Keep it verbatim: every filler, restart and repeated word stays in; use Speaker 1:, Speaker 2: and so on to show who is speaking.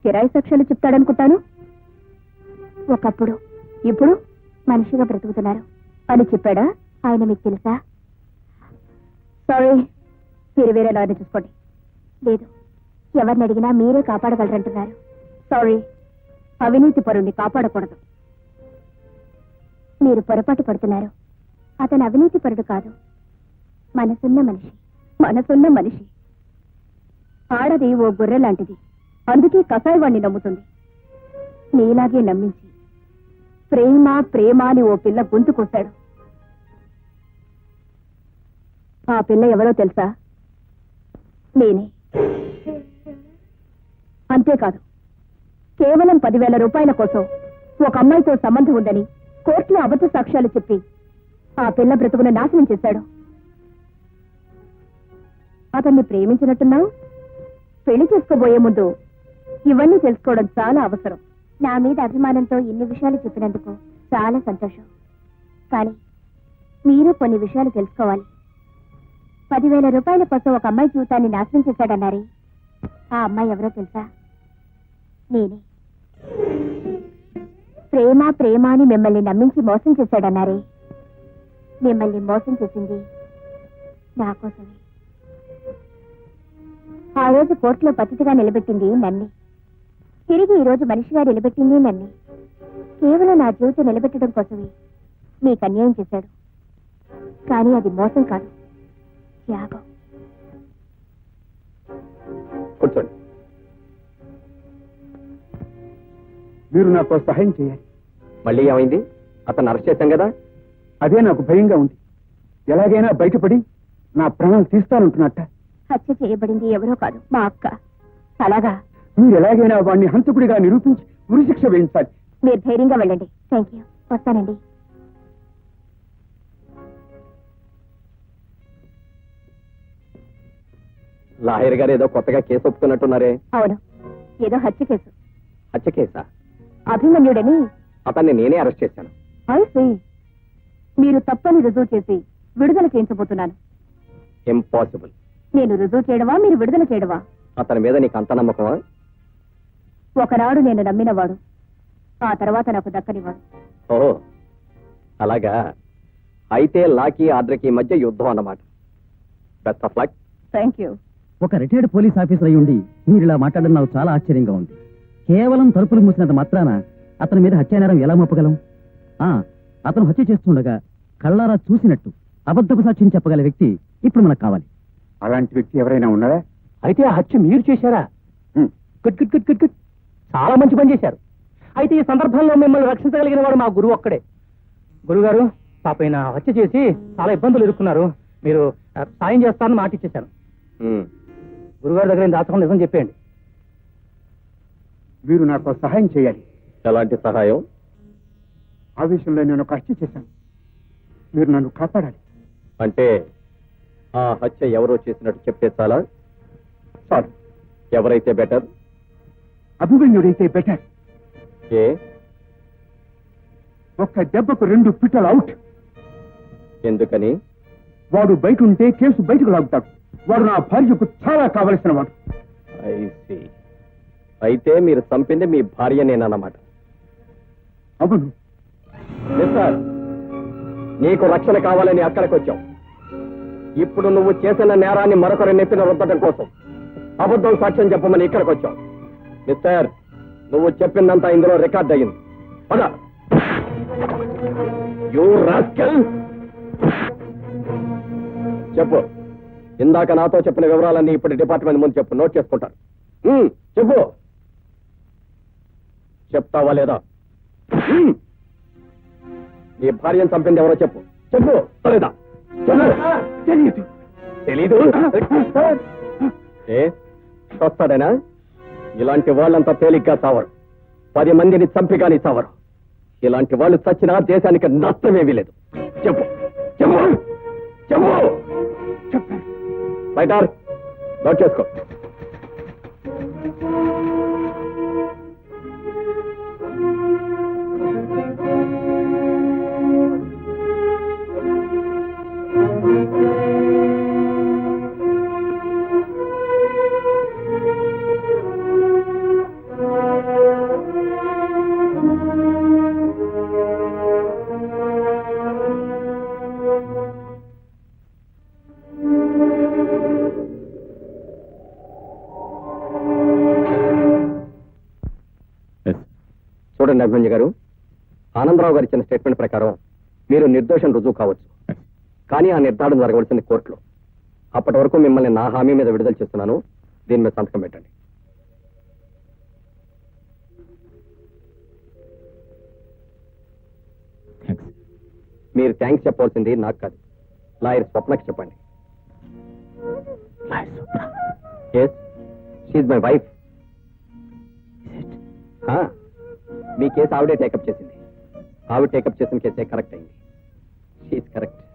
Speaker 1: కిరాయి సాక్ష్యాలు చెప్తాడనుకుంటాను. ఒకప్పుడు ఇప్పుడు మనిషిగా బ్రతుకుతున్నారు అని చెప్పాడా ఆయన? మీకు తెలుసా? సారీ, మీరు వేరే లాయర్ని చూసుకోండి. లేదు, ఎవరిని అడిగినా మీరే కాపాడగలరంటున్నారు. సారీ, అవినీతి పరుణ్ణి కాపాడకూడదు. మీరు పొరపాటు పడుతున్నారు. అతను అవినీతి పరుడు కాదు, మనసున్న మనిషి. మనసున్న మనిషి. ఆడది ఓ గొర్రె లాంటిది, అందుకే కసాయివాణ్ణి నమ్ముతుంది. నీలాగే నమ్మించి ప్రేమ ప్రేమ అని ఓ పిల్ల గొంతుకొస్తాడు. ఆ పిల్ల ఎవరో తెలుసా? నేనే. అంతేకాదు, కేవలం పదివేల రూపాయల కోసం ఒక అమ్మాయితో సంబంధం ఉందని కోర్టులో అబద్ధ సాక్ష్యాలు చెప్పి ఆ పిల్ల బ్రతుకును నాశనం చేశాడు. అతన్ని ప్రేమించినట్టున్నావు. పెళ్లి చేసుకోబోయే ముందు ఇవన్నీ తెలుసుకోవడం చాలా అవసరం. నా మీద అభిమానంతో ఇన్ని విషయాలు చెప్పినందుకు చాలా సంతోషం. కానీ మీరు కొన్ని విషయాలు తెలుసుకోవాలి. పదివేల రూపాయల కోసం ఒక అమ్మాయి జీవితాన్ని నాశనం చేశాడన్నారే, ఆ అమ్మాయి ఎవరో తెలుసా? నేనే. ప్రేమ ప్రేమ అని మిమ్మల్ని నమ్మించి మోసం చేశాడన్నారే, మిమ్మల్ని మోసం చేసింది నా కోసమే. ఆ రోజు కోర్టులో పతితిగా నిలబెట్టింది నన్ను. తిరిగి ఈ రోజు మనిషిగా నిలబెట్టింది నన్ను. కేవలం నా జీవితం నిలబెట్టడం కోసమే మీకు అన్యాయం చేశాడు. కానీ అది మోసం కాదు, త్యాగం.
Speaker 2: కూర్చోండి. మీరు నాకు సహాయం చేయాలి. మళ్ళీ ఏమైంది? అతను అరెస్ట్ చేశాం కదా. అదే నాకు భయంగా ఉంది. ఎలాగైనా బయటపడి నా ప్రాణాలు తీస్తానంటున్నట్ట.
Speaker 1: హత్య చేయబడింది ఎవరో కాదు, మా అక్క. అలాగా?
Speaker 2: మీరు ఎలాగైనా వాడిని హంతకుడిగా నిరూపించి ఉరిశిక్ష వేయించాలి.
Speaker 1: మీరు ధైర్యంగా వెళ్ళండి. Thank you. వస్తానండి.
Speaker 2: లాయర్ గారు ఏదో కొత్తగా కేసు ఒప్పుకున్నట్టున్నారే?
Speaker 1: అవును, ఏదో హత్య కేసు.
Speaker 2: హత్య కేసా?
Speaker 1: అభిమన్యుడని
Speaker 2: అతన్ని నేనే అరెస్ట్ చేశాను.
Speaker 1: అయితే మీరు తప్పని రుజువు చేసి విడుదల చేయించబోతున్నాను.
Speaker 2: ఇంపాసిబుల్.
Speaker 1: నేను రుజువు చేయడమా, మీరు విడుదల చేయడమా?
Speaker 2: అతని మీద నీకు అంత నమ్మకమా?
Speaker 1: ఒకనాడు నేను నమ్మినవాడు, ఆ తర్వాత నాకు దక్కనివాడు.
Speaker 2: ఓహో, అలాగా. అయితే లాకి ఆర్డర్కి మధ్య యుద్ధం అన్నమాట. Best of luck.
Speaker 1: Thank you.
Speaker 3: ఒక రిటైర్డ్ పోలీస్ ఆఫీసర్ అయి ఉండి మీరు ఇలా మాట్లాడడం నాకు చాలా ఆశ్చర్యంగా ఉంది. కేవలం తలుపులు మూసినంత మాత్రాన అతని మీద హత్యానేరం ఎలా మోపగలం? ఆ అతను హత్య చేస్తుండగా కళ్ళారా చూసినట్టు అబద్ధపు సాక్ష్యం చెప్పగల వ్యక్తి ఇప్పుడు మనకు కావాలి.
Speaker 2: అలాంటి వ్యక్తి ఎవరైనా ఉన్నారా? అయితే ఆ హత్య మీరు చేశారా? Good good good good good. చాలా మంచి పని చేశారు. అయితే ఈ సందర్భంలో మిమ్మల్ని రక్షించగలిగిన వాడు మా గురువు ఒక్కడే. గురుగారు, పాపైన హత్య చేసి చాలా ఇబ్బందులు ఎదుర్కొన్నారు. మీరు సాయం చేస్తారని మాట ఇచ్చేశాను. గురుగారి దగ్గర దాచకుండా నిజం చెప్పేయండి. మీరు నాకు సహాయం చేయాలి. ఎలాంటి సహాయం? ఆ విషయంలో నేను ఒక హత్య చేశాను. మీరు నన్ను కాపాడాలి. అంటే ఆ హత్య ఎవరో చేసినట్టు చెప్తే చాలా? చాలు. ఎవరైతే బెటర్? అభిమన్యుడైతే బెటర్. ఏ? ఒక్క దెబ్బకు రెండు పిట్టలు అవుట్. ఎందుకని? వాడు బయట ఉంటే కేసు బయటకు లాగుతాడు. వాడు నా భార్యకు చాలా కావలసిన వాడు. అయితే మీరు చంపింది మీ భార్యనేనన్నమాట. అవును సార్. నీకు రక్షణ కావాలని అక్కడికి వచ్చావు. ఇప్పుడు నువ్వు చేసిన నేరాన్ని మరొకరి నెప్పిన రుద్దడం కోసం అబద్ధం సాక్ష్యం చెప్పమని ఇక్కడికి వచ్చావు. మిస్టర్, నువ్వు చెప్పిందంతా ఇందులో రికార్డ్ అయ్యింది. పద. You rascal. చెప్పు. ఇందాక నాతో చెప్పిన వివరాలన్నీ ఇప్పుడు డిపార్ట్మెంట్ ముందు చెప్పు. నోట్ చేసుకుంటారు. చెప్పు. చెప్తావా లేదా? నీ భార్యను చంపింది ఎవరో చెప్పు. చెప్పు లేదా? తెలీదు. తెలీదు? ఏ వస్తాడేనా? ఇలాంటి వాళ్ళంతా తేలిగ్గా చావరు. పది మందిని చంపి కానీ చావరు. ఇలాంటి వాళ్ళు చచ్చినా దేశానికి నష్టమేమీ లేదు. చెప్పు. చెప్పు. చెప్పు. చెప్పారు. రైటర్, నోట్ చేసుకో. చూడండి అభిమన్యు గారు, ఆనందరావు గారు ఇచ్చిన స్టేట్మెంట్ ప్రకారం మీరు నిర్దోషం రుజువు కావచ్చు, కానీ ఆ నిర్ధారణ జరగవలసింది కోర్టులో. అప్పటి వరకు మిమ్మల్ని నా హామీ మీద విడుదల చేస్తున్నాను. దీని మీద సంతకం పెట్టండి. మీరు థ్యాంక్స్ చెప్పాల్సింది నాకు కాదు, లాయర్ స్వప్నకి చెప్పండి. Yes, she's my wife. మీ కేసు ఆవిడే టేకప్ చేసింది. ఆవిడ టేకప్ చేసిన కేసే కరెక్ట్ అయింది. She's correct.